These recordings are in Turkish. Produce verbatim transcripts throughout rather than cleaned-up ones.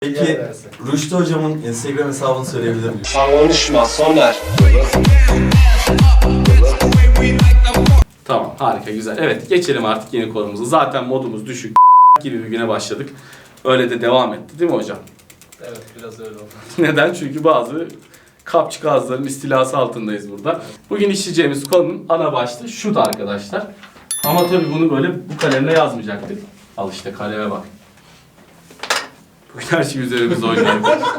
Peki Rüştü hocamın Instagram hesabını söyleyebilir miyim? Konuşma Soner. Tamam, harika, güzel. Evet, geçelim artık yeni konumuza. Zaten modumuz düşük gibi bir güne başladık. Öyle de devam etti değil mi hocam? Evet, biraz öyle oldu. Neden? Çünkü bazı kapçık ağızların istilası altındayız burada. Bugün işleyeceğimiz konunun ana başlığı şutu arkadaşlar. Ama tabii bunu böyle bu kalemle yazmayacaktık. Al işte kaleme bak. Bugün her şey üzerimizde oynuyor.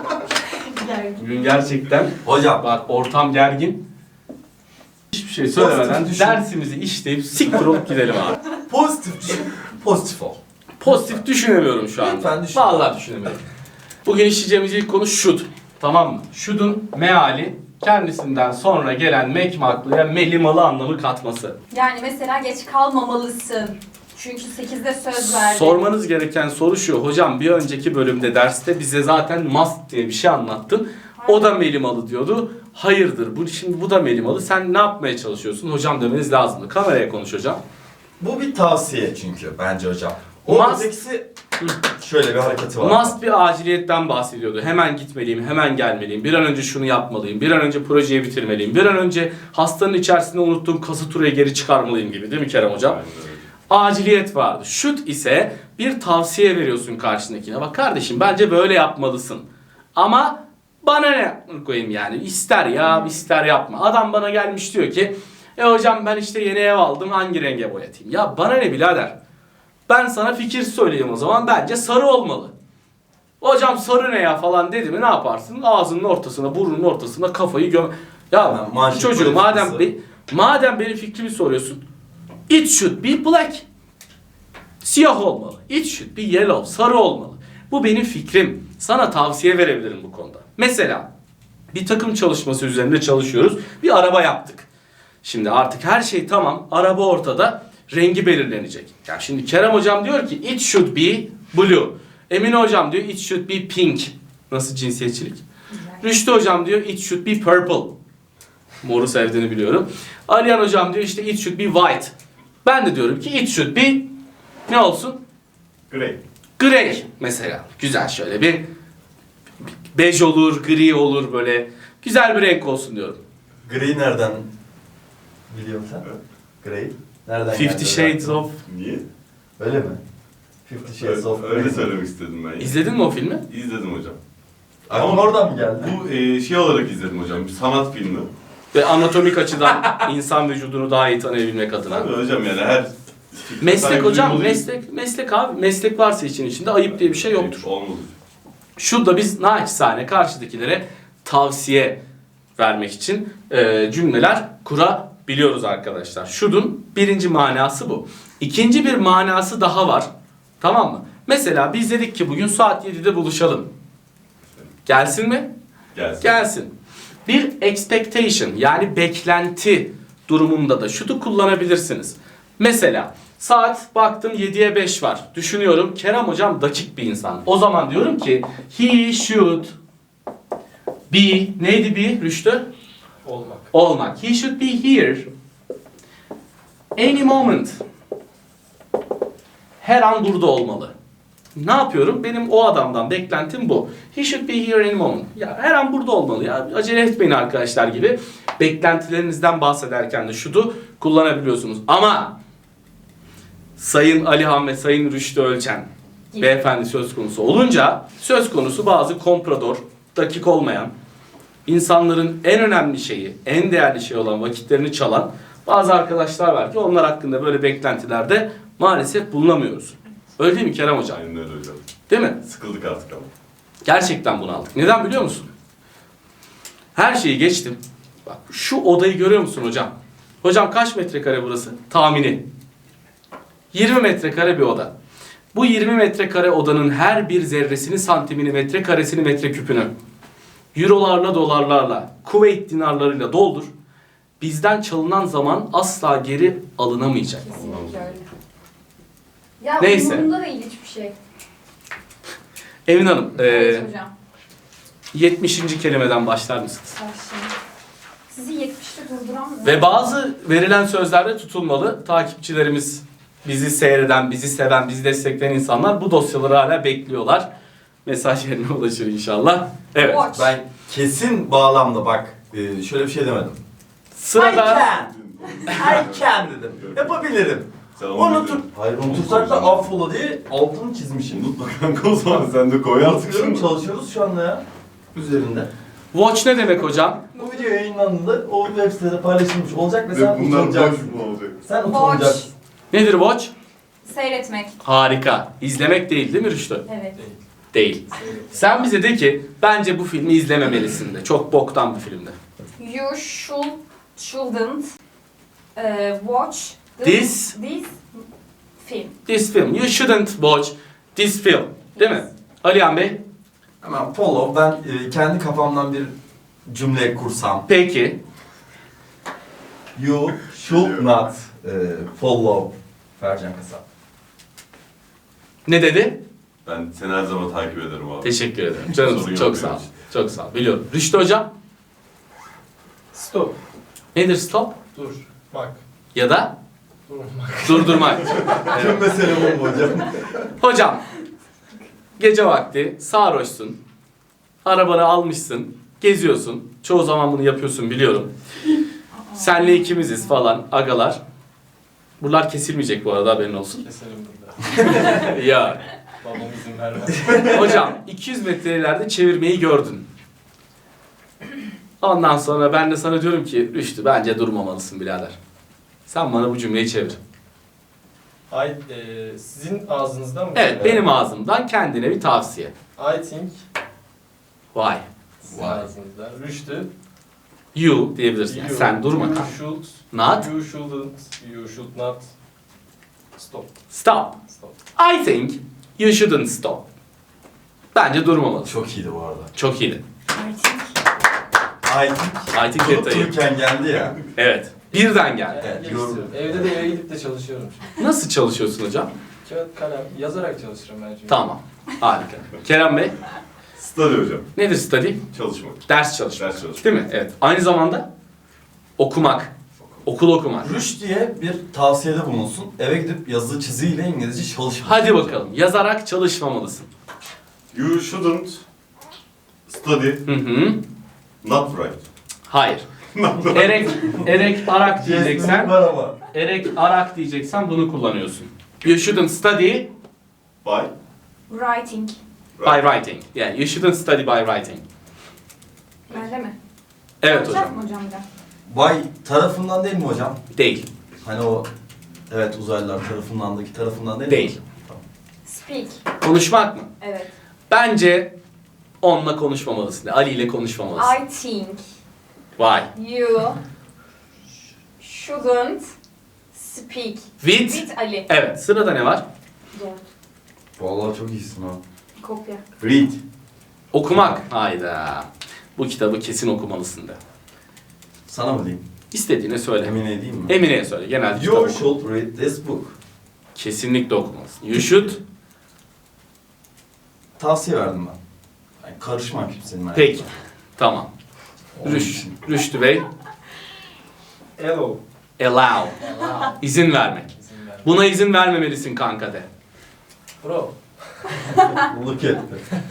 Bugün gerçekten Hocam bak ortam gergin. Hiçbir şey söylemeden Pozitif düşün. dersimizi işleyip siktir olup gidelim abi. pozitif düşün, pozitif ol. Pozitif düşünemiyorum şu anda. Lütfen düşün. Vallahi düşünemiyorum. Bugün işleyeceğimiz ilk konu should. Tamam mı? Should'un meali kendisinden sonra gelen mekmaklıya melimalı anlamı katması. Yani mesela geç kalmamalısın. Çünkü sekizde söz verdin. Sormanız gereken soru şu. Hocam bir önceki bölümde derste bize zaten must diye bir şey anlattın. O da melimalı diyordu. Hayırdır. Bu şimdi bu da melimalı. Sen ne yapmaya çalışıyorsun? Hocam demeniz lazımdı. Kameraya konuş hocam. Bu bir tavsiye çünkü bence hocam. Must- Oradaki şöyle bir hareketi var. Must bir aciliyetten bahsediyordu. Hemen gitmeliyim, hemen gelmeliyim. Bir an önce şunu yapmalıyım. Bir an önce projeyi bitirmeliyim. Bir an önce hastanın içerisinde unuttuğum kasaturayı geri çıkarmalıyım gibi değil mi Kerem hocam? Aciliyet vardı. Should ise bir tavsiye veriyorsun karşındakine. Bak kardeşim bence böyle yapmalısın. Ama bana ne koyayım yani. İster ya ister yapma. Adam bana gelmiş diyor ki e hocam ben işte yeni ev aldım hangi renge boyatayım? Ya bana ne birader? Ben sana fikir söyleyeyim o zaman. Bence sarı olmalı. Hocam sarı ne ya falan dedi mi ne yaparsın? Ağzının ortasına, burnunun ortasına kafayı göm... Ya Hemen manşet çocuğu madem politikası. be, madem benim fikrimi soruyorsun. It should be black. Siyah olmalı. It should be yellow. Sarı olmalı. Bu benim fikrim. Sana tavsiye verebilirim bu konuda. Mesela bir takım çalışması üzerinde çalışıyoruz. Bir araba yaptık. Şimdi artık her şey tamam. Araba ortada. Rengi belirlenecek. Ya şimdi Kerem hocam diyor ki it should be blue. Emine hocam diyor it should be pink. Nasıl cinsiyetçilik? Rüştü hocam diyor it should be purple. Moru sevdiğini biliyorum. Aliyan hocam diyor işte it should be white. Ben de diyorum ki it should be ne olsun? Grey. Grey mesela. Güzel şöyle bir bej olur, gri olur böyle. Güzel bir renk olsun diyorum. Grey nereden biliyorsun sen? Grey. Nereden Fifty geldi? Shades of... Niye? Öyle mi? Fifty Shades of Öyle Grey. söylemek istedim ben. İzledin mi o filmi? İzledim hocam. Aklım oradan mı geldi? Bu e, şey olarak izledim hocam. Bir sanat filmi. Ve anatomik açıdan insan vücudunu daha iyi tanıyabilmek adına. Tabii hocam yani her... Meslek saygı hocam, duymalı- meslek, meslek abi. Meslek varsa için içinde ayıp diye bir şey yoktur. Olmaz. Şurada biz naçizane karşıdakilere tavsiye vermek için e, cümleler kurabiliyoruz arkadaşlar. Should'un birinci manası bu. İkinci bir manası daha var. Tamam mı? Mesela biz dedik ki bugün saat yedide buluşalım. Gelsin mi? Gelsin. Gelsin. Bir expectation yani beklenti durumunda da should'u kullanabilirsiniz. Mesela saat baktım yediye beş var. Düşünüyorum Kerem hocam dakik bir insan. O zaman diyorum ki he should be neydi be Rüştü? Olmak. Olmak. He should be here any moment. Her an burada olmalı. Ne yapıyorum? Benim o adamdan beklentim bu. He should be here any moment. Ya her an burada olmalı ya. Acele etmeyin arkadaşlar gibi. Beklentilerinizden bahsederken de should'u kullanabiliyorsunuz. Ama Sayın Alihan ve Sayın Rüştü Ölçen beyefendi söz konusu olunca söz konusu bazı komprador, dakik olmayan, insanların en önemli şeyi, en değerli şey olan vakitlerini çalan bazı arkadaşlar var ki onlar hakkında böyle beklentilerde maalesef bulunamıyoruz. Öyle değil mi Kerem hocam? Aynen öyle hocam. Değil mi? Sıkıldık artık ama. Gerçekten bunu aldık. Neden biliyor musun? Her şeyi geçtim. Bak şu odayı görüyor musun hocam? Hocam kaç metrekare burası? Tahmini. yirmi metrekare bir oda. Bu yirmi metrekare odanın her bir zerresini, santimini, metrekaresini, metreküpünü eurolarla, dolarlarla, Kuveyt dinarlarıyla doldur. Bizden çalınan zaman asla geri alınamayacak. Kesinlikle öyle. Ya Neyse. umurumda değil hiçbir şey. Emin Hanım, Evet e, hocam. yetmişinci kelimeden başlar mısınız? Başlayın. Sizi yetmişte durduramıyorum. Ve bazı verilen sözlerde tutulmalı. Takipçilerimiz, bizi seyreden, bizi seven, bizi destekleyen insanlar bu dosyaları hala bekliyorlar. mesaj yerine ulaşır inşallah. Evet. Watch. Ben kesin bağlamda bak e, şöyle bir şey demedim. I Sırada can. I can dedim. Yapabilirim. Sen onu Unutur. bildin. Hayır unutursak da affola diye altını çizmişim. Unutma kanka o zaman sen de koy artık Unutuyorum, şunu. çalışıyoruz şu anda ya. Üzerinde. watch ne demek hocam? Bu video yayınlandığında o web sitede paylaşılmış olacak ve sen Ve bunlar boş utanacaksın. mu olacak? Sen Watch. utanacaksın. Nedir watch? Seyretmek. Harika. İzlemek değil değil mi Rüştü? Evet. Değil. Sen bize de ki bence bu filmi izlememelisin de. Çok boktan bir filmdi. You should, shouldn't uh, watch the- This- this film. This film. You shouldn't watch this film. Değil mi? Alihan Bey? Hemen follow. Ben e, kendi kafamdan bir cümle kursam. Peki. You should not e, follow Fercan Kasap. Ne dedi? Ben seni her zaman takip ederim abi. Teşekkür ederim. Sorun Canım yok çok benim sağ ol. için. Çok sağ ol. Biliyorum. Rüştü hocam? Stop. Nedir stop? Dur. Bak. Ya da Durmak. durdurmak. Tüm mesele bu mu hocam? Hocam, gece vakti sarhoşsun, arabanı almışsın, geziyorsun. Çoğu zaman bunu yapıyorsun biliyorum. Senle ikimiziz falan, agalar. Buralar kesilmeyecek bu arada, haberin olsun. Keselim burada. Ya, Babam izin vermez. hocam iki yüz metre ileride çevirmeyi gördün. Ondan sonra ben de sana diyorum ki, Rüştü bence durmamalısın birader. Sen bana bu cümleyi çevir. Ay, e, sizin ağzınızdan mı? Evet, benim ağzımdan kendine bir tavsiye. I think Vay. sizin Vay. ağzınızdan. Rüştü. You diyebilirsin. Yani You- sen durma. You should. Not. You shouldn't. You should not. Stop. Stop. Stop. I think you shouldn't stop. Bence durmamalısın. Çok iyiydi bu arada. Çok iyiydi. I think. I think I think detayı. unuturken geldi ya. Evet. Birden geldi. Evet, Evet, yorum. istiyorum. Evde de eve gidip de çalışıyorum şimdi. Nasıl çalışıyorsun hocam? Kağıt kalem yazarak çalışırım ben çünkü. Tamam. Harika. Kerem Bey, Study hocam. nedir study? Çalışmak. Ders çalışmak. Ders çalışmak. Değil mi? Evet. Aynı zamanda okumak. Okul okumak. Rüş diye bir tavsiyede bulunsun. Eve gidip yazılı çiziyle İngilizce çalışma. Hadi bakalım. Yazarak çalışmamalısın. You shouldn't study Hı hı. not write. Hayır. Erek, erek, arak diyeceksen, var ama. erek, arak diyeceksen bunu kullanıyorsun. You shouldn't study By Writing. by writing. Yani you shouldn't study by writing. Bende mi? Evet Yapacak hocam. mı hocam bir de? Bay tarafından değil mi hocam? Değil. Hani o evet uzaylılar tarafındandaki tarafından değil mi? Değil. Speak. Konuşmak mı? Evet. Bence onunla konuşmamalısın. Ali ile konuşmamalısın. I think Vay. you shouldn't speak With. with Ali. Evet. Sırada ne var? Doğru. Vallahi çok iyisin ha. Kopya. Read. Okumak. Hayda. Bu kitabı kesin okumalısın de. Sana mı diyeyim? İstediğini söyle. Emine edeyim mi? Emine'ye söyle. Genelde kitap You oku. should read this book. Kesinlikle okumalısın. You should. Tavsiye verdim ben. Yani karışma kimsenin hayatına. Peki. Tamam. Onun Rüş, için. Rüştü Bey. Hello. Allow. İzin vermek. İzin vermez. Buna izin vermemelisin kanka de. Bro. Look at.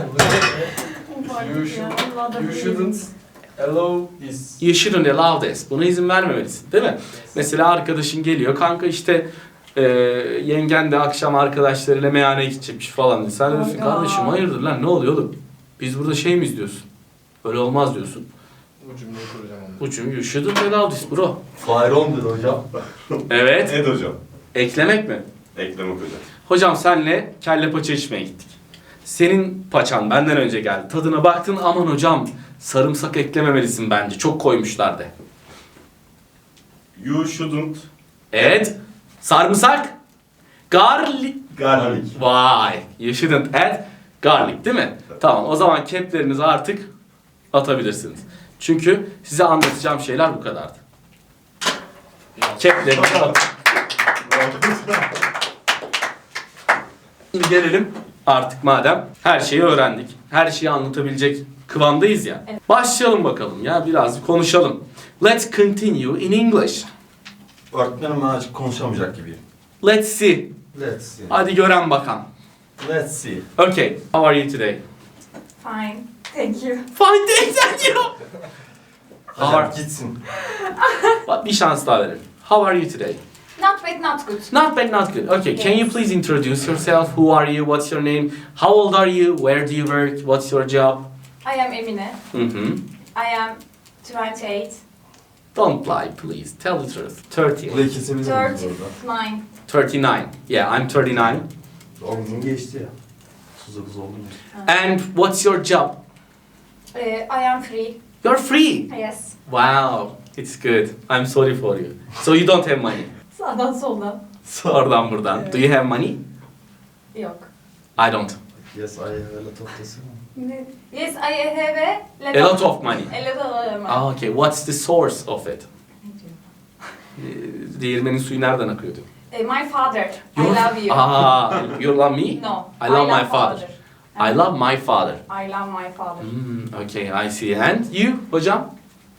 You should. You shouldn't allow this. You shouldn't allow this. Buna izin vermemelisin. Değil mi? Mesela arkadaşın geliyor. Kanka işte e, yengen de akşam arkadaşlarıyla meyhaneye gidecekmiş falan. Sen diyorsun Hayda. kardeşim hayırdır lan ne oluyor oğlum? Biz burada şey mi izliyorsun? Öyle olmaz diyorsun. Bu cümleyi kuracağım onu. Bu cümle you shouldn't allow this bro. Fire on'dur hocam. Evet. Ed hocam. Eklemek mi? Eklemek hocam. Hocam senle kelle paça içmeye gittik. Senin paçan benden önce geldi. Tadına baktın aman hocam sarımsak eklememelisin bence. Çok koymuşlar de. You shouldn't Evet. Sarımsak. Garlic. garlic. Vay. You shouldn't add garlic değil mi? Tamam o zaman keplerinizi artık atabilirsiniz. Çünkü size anlatacağım şeyler bu kadardı. Keplerinizi at. Şimdi gelelim artık madem her şeyi öğrendik. Her şeyi anlatabilecek kıvamdayız ya. Evet. Başlayalım bakalım ya biraz konuşalım. Let's continue in English. Öğretmenim ben açık konuşamayacak gibiyim. Let's see. Let's see. Hadi gören bakalım. Let's see. Okay, how are you today? Fine. Thank you. Fine day thank you. How Hocam are... gitsin. Bak, bir şans daha verelim. How are you today? Not bad, not good. Not bad, not good. Okay, can you please introduce yourself? Who are you? What's your name? How old are you? Where do you work? What's your job? I am Emine. Mm-hmm. I am twenty-eight. Don't lie, please. Tell the truth. thirty. Bu da ikisini de orada. thirty-nine. thirty-nine. Yeah, I'm thirty-nine. on gün geçti ya. otuz dokuz oldu mu? And what's your job? Uh, I am free. You're free. Yes. Wow, it's good. I'm sorry for you. So you don't have money. Sağdan soldan. Oradan buradan. Do you have money? Yok. I don't. Yes, I have a lot of this. Ne? Yes, I have a lot, A lot of money. A lot of money. Ah, okay. What's the source of it? Ne diyor? Ee, Değirmenin suyu nereden akıyordu? Uh, my father. I Your- love you. Ah, you love me? No. I love my father. I love my father. I love my father. Hmm, okay, I see. And you, hocam?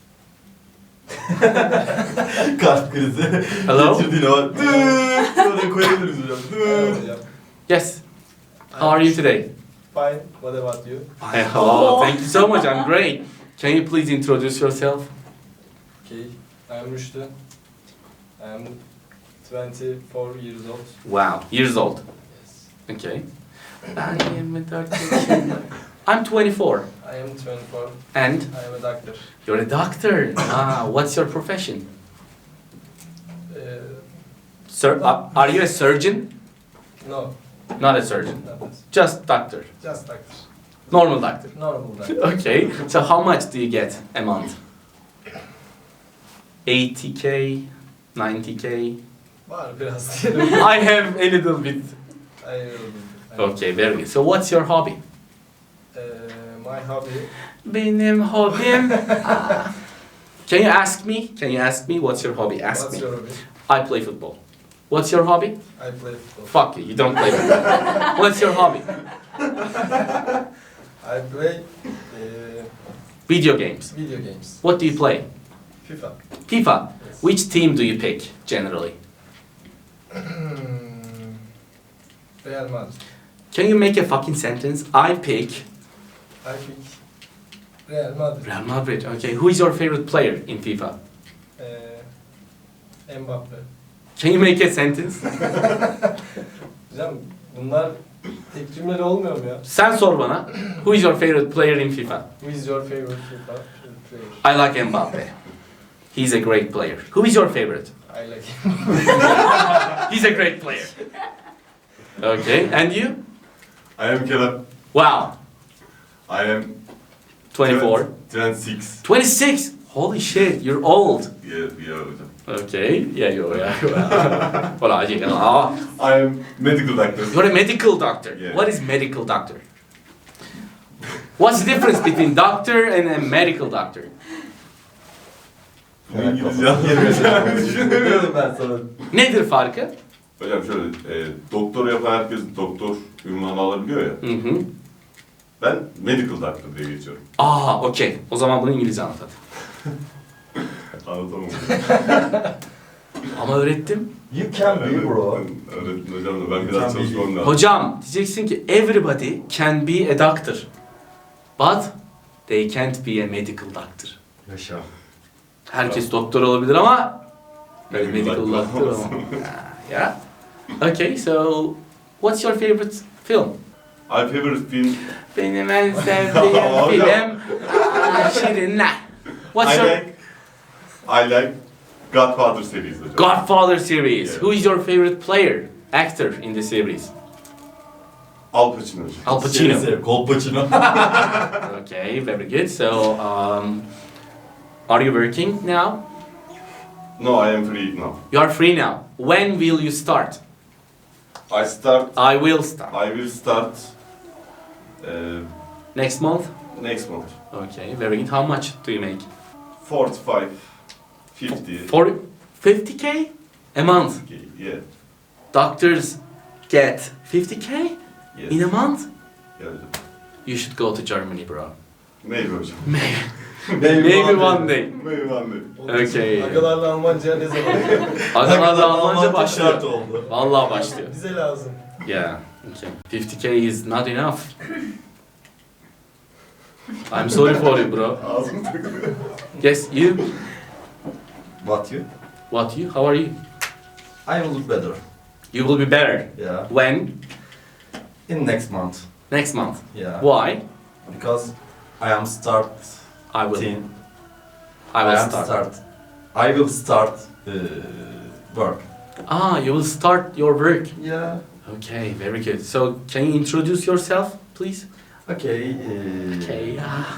Kalp krizi. Hello? Geçirdiğine bak. Dıııı. Oraya koyabiliriz hocam. Merhaba Dıııı. hocam. Yes. How are you today? Fine. What about you? I, oh, thank you so much. I'm great. Can you please introduce yourself? Okay. I'm Rüştü. I'm twenty-four years old. Wow, years old. Yes. Okay. Ben yirmi dört yaşındayım. I'm twenty-four. I am twenty-four. And I am a doctor. you're a doctor. Ah, what's your profession? Uh, Sir, uh, are you a surgeon? no. Not a surgeon. Not this. Just doctor. Just doctor. Normal doctor. Normal doctor. Okay. So how much do you get a month? eighty K, ninety K. Var biraz diyelim. I have a little bit. I will. Okay, very good. So what's your hobby? Uh, my hobby. Benim hobim. Ah. Can you ask me? Can you ask me what's your hobby? Ask What's me. your hobby? I play football. What's your hobby? I play football. Fuck you, you don't play football. What's your hobby? I play uh, Video games. video games. What do you play? FIFA. FIFA. Yes. Which team do you pick generally? Real Madrid. Can you make a fucking sentence? I pick I pick Real Madrid. Real Madrid. Okay, who is your favorite player in FIFA? Uh, Mbappe. Can you make a sentence? Hocam bunlar tek cümleli olmuyor mu ya? Sen sor bana. Who is your favorite player in FIFA? Who is your favorite FIFA player? I like Mbappe. He's a great player. Who is your favorite? I like him. He's a great player. Okay, and you? I am Kerem. Wow, I am twenty-four. twenty-six. twenty-six? Holy shit, you're old. Yeah, yeah hocam. Okay, yeah, you are. Well, you know, oh, I am medical doctor. you're a medical doctor. Yeah. What is medical doctor? What's the difference between doctor and a medical doctor? Bu İngilizce anlayacağımı düşünemiyorum. ben sana. Nedir farkı? Hocam şöyle, e, doktor yapan herkes doktor ünvanı alabiliyor ya. Hı hı. Ben medical doctor diye geçiyorum. Aa, okey. O zaman bunu İngilizce anlat hadi. Anlatamam. Ama öğrettim. You can be bro. Öğretmen hocam da ben biraz çalışmam lazım. Hocam diyeceksin ki everybody can be a doctor. But they can't be a medical doctor. Yaşa. Herkes doktor olabilir ama Medical medical doctor doctor olamaz. olamaz. Yeah. Okay, so what's your favorite film? My favorite film, Benim en sevdiğim film Aa, Şirinler. What's I your like, I like Godfather series hocam. Godfather series? Yeah. Who is your favorite player, actor in the series? Al Pacino hocam. Al Pacino. Şey, Kolpaçino. Okay, very good. So, um, are you working now? No, I am free now. You are free now. When will you start? I start, I will start. I will start uh, Next month? next month. Okay, very good. How much do you make? forty-five, fifty. For fifty K a month. Okay, yeah. Doctors get fifty K Yes. in a month? Yeah, hocam. You should go to Germany, bro. Maybe hocam. Maybe, maybe one day. Maybe one day. Onun için Okay. Agalarla Almanca'ya ne zaman? Adamlarla Almanca şart başlıyor. oldu. Vallahi başlıyor. Bize lazım. Yeah, okay. fifty K is not enough. I'm sorry for you bro. Ağzım takılıyor. Yes, you? What you? What you? How are you? I will look better. You will be better. Yeah. When? In next month. Next month. Yeah. Why? Because I am start I will. teen. I will am start. I will start uh, work. Ah, you will start your work. Yeah. Okay, very good. So, can you introduce yourself, please? Okay. Uh, Okay.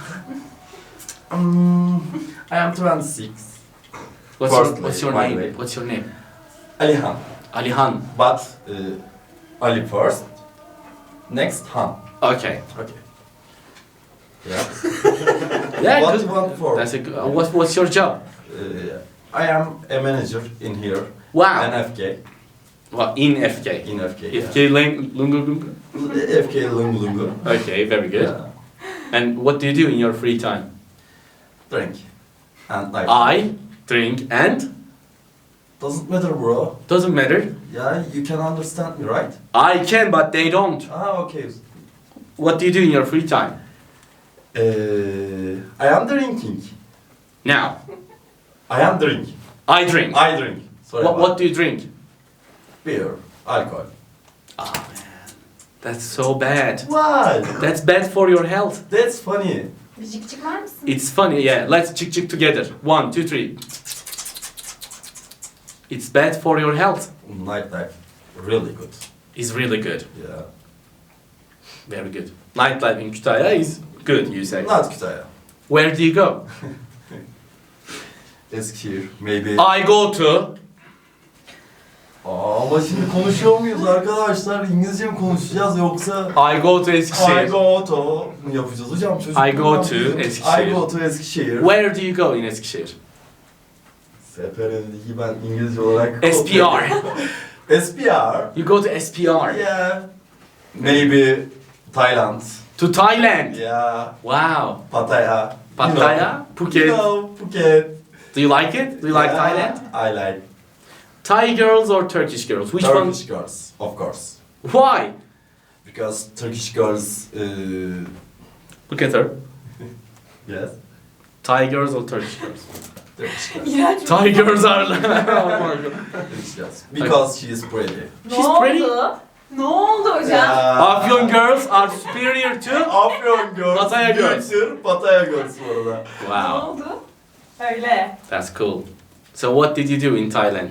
Um, I am twenty-six. What's your, Firstly, what's your by the name? way. What's your name? Alihan. Alihan. But uh, Ali first. Next Han. Okay. Okay. Yeah. Yeah, What good. you want for? That's a good. Uh, what, what's your job? Uh, I am a manager in here. Wow. N F K. What, in F K? In F K. F K Lang Lungu Lungu? Yeah. F K Lungu Lungu. Okay, very good. Yeah. And what do you do in your free time? Drink. And like. I drink and Doesn't matter, bro. doesn't matter. Yeah, you can understand me, right? I can, but they don't. Ah, okay. What do you do in your free time? Uh, I am drinking. Now, I am drinking. I drink. I drink. Sorry. What, about what do you drink? Beer. Alcohol. Oh man, that's so bad. Why? That's bad for your health. That's funny. Bir cik cik var mısın? It's funny, yeah. Let's chick chick together. One, two, three. It's bad for your health. Nightlife. Really good. It's really good. Yeah. Very good. Nightlife in Kütahya is good, you say. Not Kütahya. Where do you go? Eskişehir. Maybe. I go to. Aa, ama şimdi konuşuyor muyuz arkadaşlar? İngilizce mi konuşacağız yoksa? I go to I Eskişehir. go to mu yapacağız hocam? Çocuk I go to Eskişehir. I go to Eskişehir. Where do you go in Eskişehir? Seferindeki ben İngilizce olarak... S P R. S P R? You go to S P R. Yeah. Maybe Thailand. To Thailand. Yeah. Wow. Pattaya. Pattaya, You Phuket. know, Phuket. Do you like it? Do you like Yeah, Thailand? I like Thai girls or Turkish girls? Which one? Turkish girls, of course. Why? Because Turkish girls, uh, Look at her. yes, Thai girls or Turkish girls? Turkish girls. İğrenç bir- Thai girls are. Oh my god. Turkish girls. Because she is pretty. Ne She's oldu? pretty. Ne oldu hocam? Yeah. Afyon girls are superior to. Afyon girls. Pattaya girls. Kültür, Pattaya girls bu arada. Ne Wow, oldu? Öyle. that's cool. So what did you do in Thailand?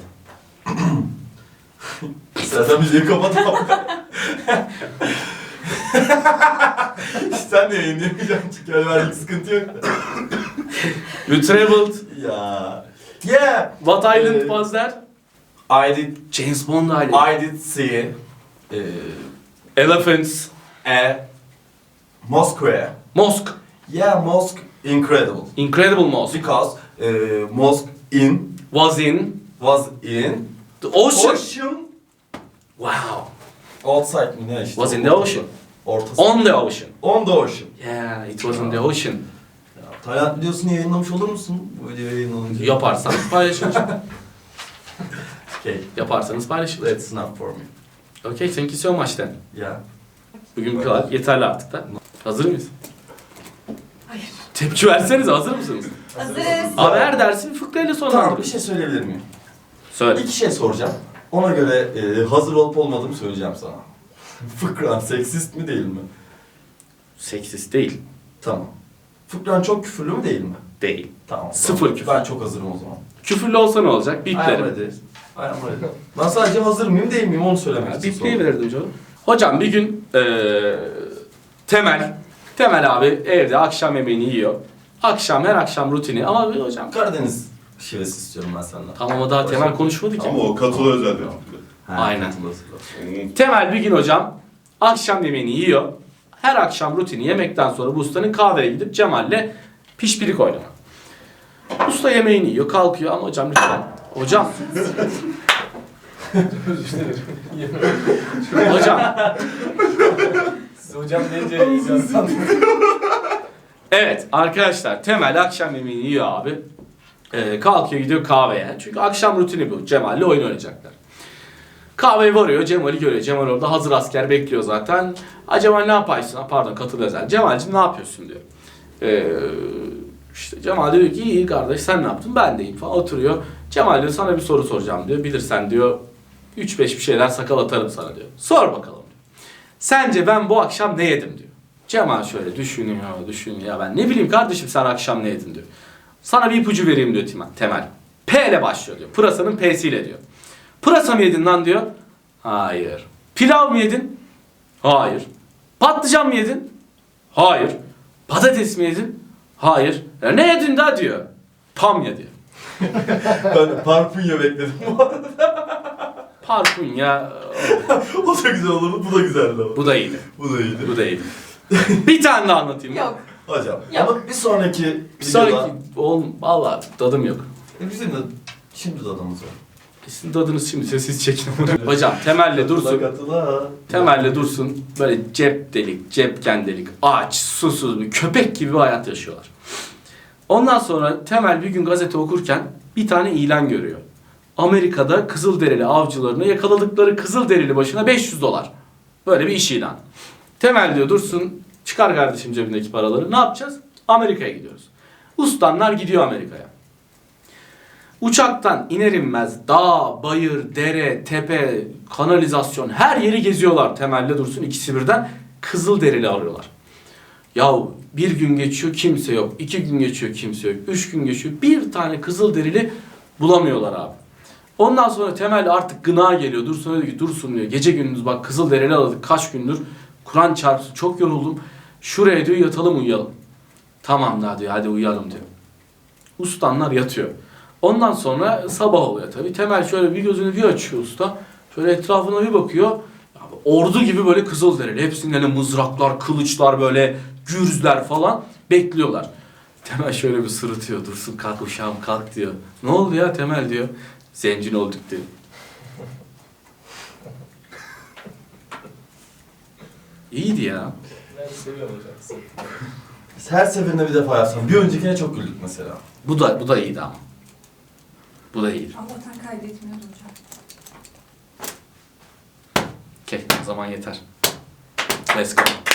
Sen müziği kapatalım. Sen de yayınlayamayacaksın çünkü öyle sıkıntı yok. You traveled. Ya. Yeah. What island Uh, was that? I did. James Bond Island. I did see. Uh, Elephants. a mosque. Mosque. Yeah, mosque incredible. Incredible mosque. Because uh, mosque in Was in was in the ocean. ocean Wow. outside mi ne işte? Was in the ocean. Ortası. On the ocean. On the ocean. Yeah, it was in the ocean. Ya, Tayland videosunu yayınlamış olur musun? Bu videoyu yayınlanınca. Yaparsanız paylaşın. Okay, Yaparsanız paylaşın. that's enough for me. Okay, thank you so much then. Yeah. Bugün bu kadar. Yeterli artık da. Hazır mıyız? Hayır. Tepki versenize, hazır mısınız? Hazırız. Abi her dersi fıkrayla Tamam, bir sonlandırıyoruz. şey söyleyebilir miyim? Söyle. İki şey soracağım. Ona göre e, hazır olup olmadığımı söyleyeceğim sana. Fıkran seksist mi değil mi? Seksist değil. Tamam. Fıkran çok küfürlü mü değil mi? Değil. Tamam. Sıfır tamam. küfür. Ben çok hazırım o zaman. Küfürlü olsa ne olacak? I am Biplerim. ready. I am ready. Ben sadece hazır mıyım değil miyim onu söylemek için sordum. Bipleyebilirdim canım. Hocam bir gün eee Temel, Temel abi evde akşam yemeğini yiyor. Akşam, her akşam rutini ama hocam... Karadeniz şivesi istiyorum ben senden. Tamam o daha Temel konuşmadı ki. Ama o katılı özel yaptı. Ha, Aynen. katılırsın. Onun Temel bir gün hocam akşam yemeğini yiyor. Her akşam rutini yemekten sonra bu ustanın kahveye gidip Cemal'le pişpirik oynamak. Usta yemeğini yiyor, kalkıyor ama hocam lütfen. Hocam. Hocam. Siz hocam deyince yazsan. Evet arkadaşlar Temel akşam yemeğini yiyor abi. Ee, kalkıyor gidiyor kahveye. Çünkü akşam rutini bu. Cemal'le oyun oynayacaklar. Kahveye varıyor, Cemal'i görüyor. Cemal orada hazır asker bekliyor zaten. Ha Cemal ne yapıyorsun? Ha, pardon katıl özel. Cemal'cim ne yapıyorsun diyor. Ee, işte Cemal diyor ki iyi kardeş sen ne yaptın? Ben deyim falan oturuyor. Cemal diyor sana bir soru soracağım diyor. Bilirsen diyor üç beş bir şeyler sakal atarım sana diyor. Sor bakalım diyor. Sence ben bu akşam ne yedim diyor. Cemal şöyle düşünüyor, düşünüyor. Ya ben ne bileyim kardeşim sen akşam ne yedin diyor. Sana bir ipucu vereyim diyor Temel. Temel. P ile başlıyor diyor. Pırasanın P'siyle diyor. Pırasa mı yedin lan diyor. Hayır. Pilav mı yedin? Hayır. Patlıcan mı yedin? Hayır. Patates mi yedin? Hayır. Ya ne yedin daha diyor. Tam diyor. Ben parfunya bekledim bu arada. Parfunya. O da güzel olurdu, bu da güzeldi ama. Bu da iyiydi. Bu da iyiydi. Bu da iyiydi. Bir tane daha anlatayım. Yok. Hocam, Yok. ama bir sonraki Bir videoda... sonraki oğlum valla tadım yok. E bizim de şimdi tadımız var. Sizin tadınız şimdi siz çekin. Hocam Temel'le Dursun. Katıla. Temel'le Dursun böyle cep delik, cepken delik, aç, susuz bir köpek gibi bir hayat yaşıyorlar. Ondan sonra Temel bir gün gazete okurken bir tane ilan görüyor. Amerika'da Kızılderili avcılarını yakaladıkları Kızılderili başına beş yüz dolar. Böyle bir iş ilanı. Temel diyor Dursun çıkar kardeşim cebindeki paraları. Ne yapacağız? Amerika'ya gidiyoruz. Ustanlar gidiyor Amerika'ya. Uçaktan iner inmez dağ, bayır, dere, tepe, kanalizasyon her yeri geziyorlar Temel'le Dursun ikisi birden Kızılderili arıyorlar. Yahu bir gün geçiyor kimse yok, iki gün geçiyor kimse yok, üç gün geçiyor bir tane Kızılderili bulamıyorlar abi. Ondan sonra Temel artık gına geliyor. Dursun diyor ki Dursun diyor gece gündüz bak Kızılderili aradık kaç gündür. Kur'an çarpsın çok yoruldum. Şuraya diyor yatalım uyuyalım. Tamam daha diyor hadi uyuyalım diyor. Ustanlar yatıyor. Ondan sonra sabah oluyor tabii. Temel şöyle bir gözünü bir açıyor usta. Şöyle etrafına bir bakıyor. Ya ordu gibi böyle Kızılderili. Hepsinin eline mızraklar, kılıçlar böyle gürzler falan bekliyorlar. Temel şöyle bir sırıtıyor. Dursun kalk uşağım kalk diyor. Ne oldu ya Temel diyor. Zencin olduk diyor. İyiydi ya. Ben seviyorum hocam. Her seferinde bir defa yapsam. Bir öncekine çok güldük mesela. Bu da bu da iyiydi ama. Bu da iyiydi. Allah'tan kaydetmiyordu hocam. Okey, o zaman yeter. Let's go.